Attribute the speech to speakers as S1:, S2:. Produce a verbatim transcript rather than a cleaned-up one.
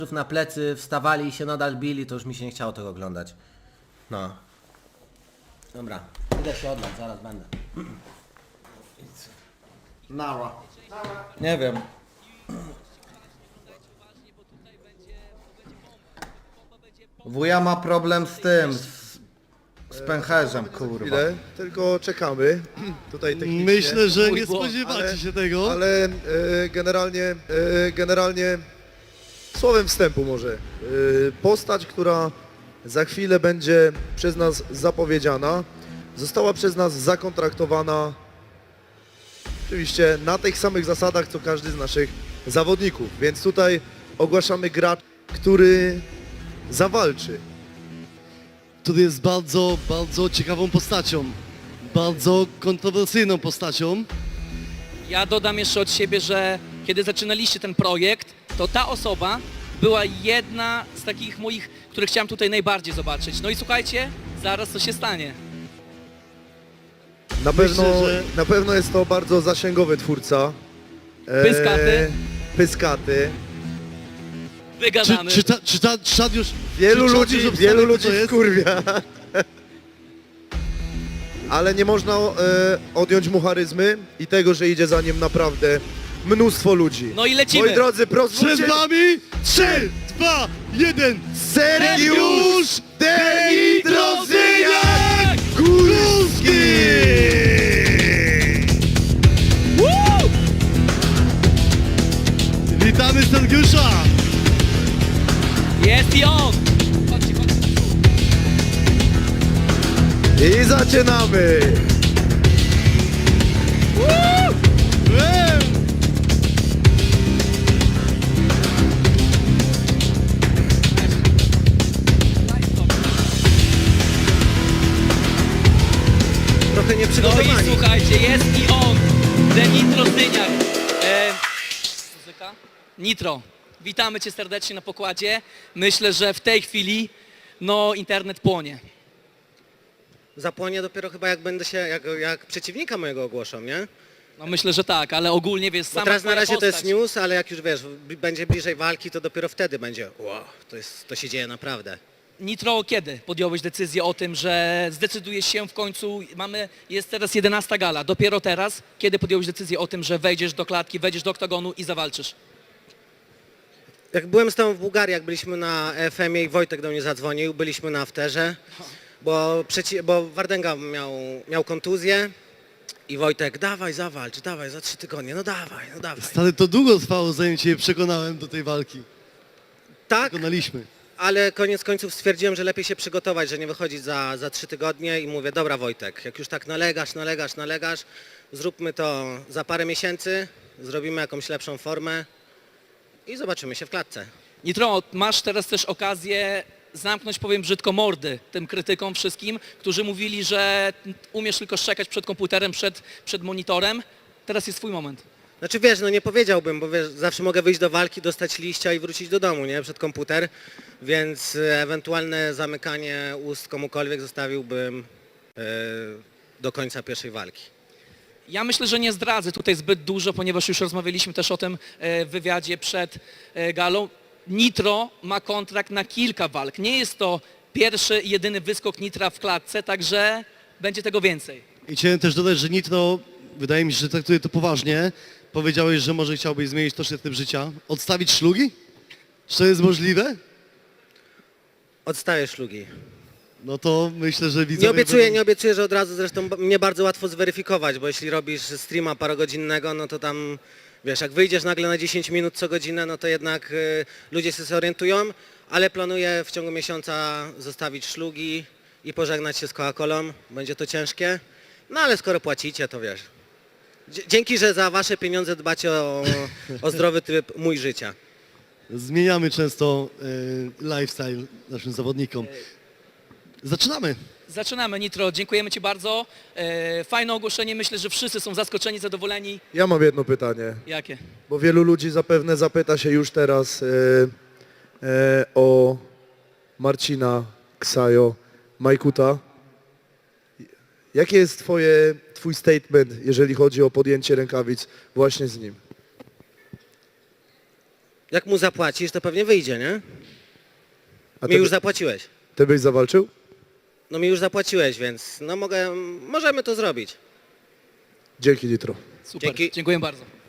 S1: na plecy, wstawali i się nadal bili, to już mi się nie chciało tego oglądać. No. Dobra, idę się odlać, zaraz będę.
S2: Nała.
S1: Nie wiem. Wuja ma problem z tym, z, z pęcherzem, kurwa.
S2: Chwilę, tylko czekamy. Tutaj technicznie.
S3: Myślę, że
S4: Mój
S3: nie
S4: błąd,
S3: spodziewacie
S2: ale-
S3: się tego.
S2: Ale e, generalnie, e, generalnie słowem wstępu może. E, postać, która za chwilę będzie przez nas zapowiedziana, została przez nas zakontraktowana oczywiście na tych samych zasadach, co każdy z naszych zawodników. Więc tutaj ogłaszamy gracz, który zawalczy.
S3: Który jest bardzo, bardzo ciekawą postacią. Bardzo kontrowersyjną postacią.
S4: Ja dodam jeszcze od siebie, że kiedy zaczynaliście ten projekt, to ta osoba była jedna z takich moich, które chciałem tutaj najbardziej zobaczyć. No i słuchajcie, zaraz co się stanie.
S2: Na
S3: Myślę,
S2: pewno,
S3: że-
S2: na pewno jest to bardzo zasięgowy twórca. E,
S4: Pyskaty.
S2: Pyskaty.
S3: Czy,
S4: Wygadamy.
S3: czy, ta, czy, ta, czy czad już...
S2: Wielu
S3: czy czad
S2: ludzi,
S3: już obstawił,
S2: wielu
S3: kto
S2: ludzi
S3: to jest?
S2: wkurwia. Ale nie można e, odjąć mu charyzmy i tego, że idzie za nim naprawdę mnóstwo ludzi.
S4: No i lecimy.
S2: Moi drodzy,
S3: Przed
S2: pozwólcie,
S3: wami trzy, dwa, jeden.
S2: Sergiusz Denidrozyniak Górski!
S4: Woo!
S3: Witamy Sergiusza!
S4: Jest i on! Chodźcie, chodźcie.
S2: I zaczynamy!
S4: Woo!
S3: Eee!
S1: Trochę
S4: No i
S1: nieprzygotowani.
S4: słuchajcie, jest i on, Denitro Zdyniak. E, muzyka? Nitro, witamy Cię serdecznie na pokładzie. Myślę, że w tej chwili, no, internet płonie.
S1: Zapłonie dopiero chyba jak będę się, jak, jak przeciwnika mojego ogłoszą, nie?
S4: No myślę, że tak, ale ogólnie, wiesz,
S1: Bo
S4: sama
S1: teraz na
S4: twoja
S1: razie to jest
S4: postać.
S1: news, ale jak już wiesz, b- będzie bliżej walki, to dopiero wtedy będzie wow, to, jest, to się dzieje naprawdę.
S4: Nitro, kiedy podjąłeś decyzję o tym, że zdecydujesz się w końcu, mamy, jest teraz jedenasta gala, dopiero teraz, kiedy podjąłeś decyzję o tym, że wejdziesz do klatki, wejdziesz do oktagonu i zawalczysz?
S1: Jak byłem z tobą w Bułgarii, jak byliśmy na F M ie i Wojtek do mnie zadzwonił, byliśmy na afterze, bo, przeci- bo Wardęga miał, miał kontuzję i Wojtek, dawaj zawalcz, dawaj za trzy tygodnie, no dawaj, no dawaj.
S3: Stary, to długo trwało, zanim Cię przekonałem do tej walki.
S1: Tak,
S3: Przekonaliśmy.
S1: ale koniec końców stwierdziłem, że lepiej się przygotować, że nie wychodzić za, za trzy tygodnie i mówię, dobra Wojtek, jak już tak nalegasz, nalegasz, nalegasz, zróbmy to za parę miesięcy, zrobimy jakąś lepszą formę i zobaczymy się w klatce.
S4: Nitro, masz teraz też okazję zamknąć, powiem brzydko, mordy tym krytykom wszystkim, którzy mówili, że umiesz tylko szczekać przed komputerem, przed, przed monitorem. Teraz jest twój moment.
S1: Znaczy wiesz, no nie powiedziałbym, bo wiesz, zawsze mogę wyjść do walki, dostać liścia i wrócić do domu, nie, przed komputer, więc e, ewentualne zamykanie ust komukolwiek zostawiłbym e, do końca pierwszej walki.
S4: Ja myślę, że nie zdradzę tutaj zbyt dużo, ponieważ już rozmawialiśmy też o tym e, w wywiadzie przed e, galą. Nitro ma kontrakt na kilka walk. Nie jest to pierwszy i jedyny wyskok Nitra w klatce, także będzie tego więcej.
S3: I chciałem też dodać, że Nitro, wydaje mi się, że traktuje to poważnie. Powiedziałeś, że może chciałbyś zmienić troszkę tryb życia. Odstawić szlugi? Czy to jest możliwe?
S1: Odstaję szlugi.
S3: No to myślę, że widzowie...
S1: Nie obiecuję,
S3: będą-
S1: nie obiecuję, że od razu, zresztą b- mnie bardzo łatwo zweryfikować, bo jeśli robisz streama parogodzinnego, no to tam, wiesz, jak wyjdziesz nagle na dziesięć minut co godzinę, no to jednak y, ludzie się zorientują, ale planuję w ciągu miesiąca zostawić szlugi i pożegnać się z Coca-Colą. Będzie to ciężkie, no ale skoro płacicie, to wiesz. Dzie- Dzięki, że za wasze pieniądze dbacie o, o zdrowy tryb mój życia.
S3: Zmieniamy często e, lifestyle naszym zawodnikom. Zaczynamy.
S4: Zaczynamy, Nitro. Dziękujemy Ci bardzo. E, fajne ogłoszenie. Myślę, że wszyscy są zaskoczeni, zadowoleni.
S2: Ja mam jedno pytanie,
S4: Jakie?
S2: bo wielu ludzi zapewne zapyta się już teraz e, e, o Marcina Ksajo Majkuta. Jaki jest twoje, twój statement, jeżeli chodzi o podjęcie rękawic właśnie z nim?
S1: Jak mu zapłacisz, to pewnie wyjdzie, nie?
S2: A
S1: Mi
S2: ty,
S1: już zapłaciłeś.
S2: ty byś zawalczył?
S1: No mi już zapłaciłeś, więc no mogę, możemy to zrobić.
S2: Dzięki, Nitro.
S4: Super,
S1: Dzięki.
S4: dziękuję bardzo.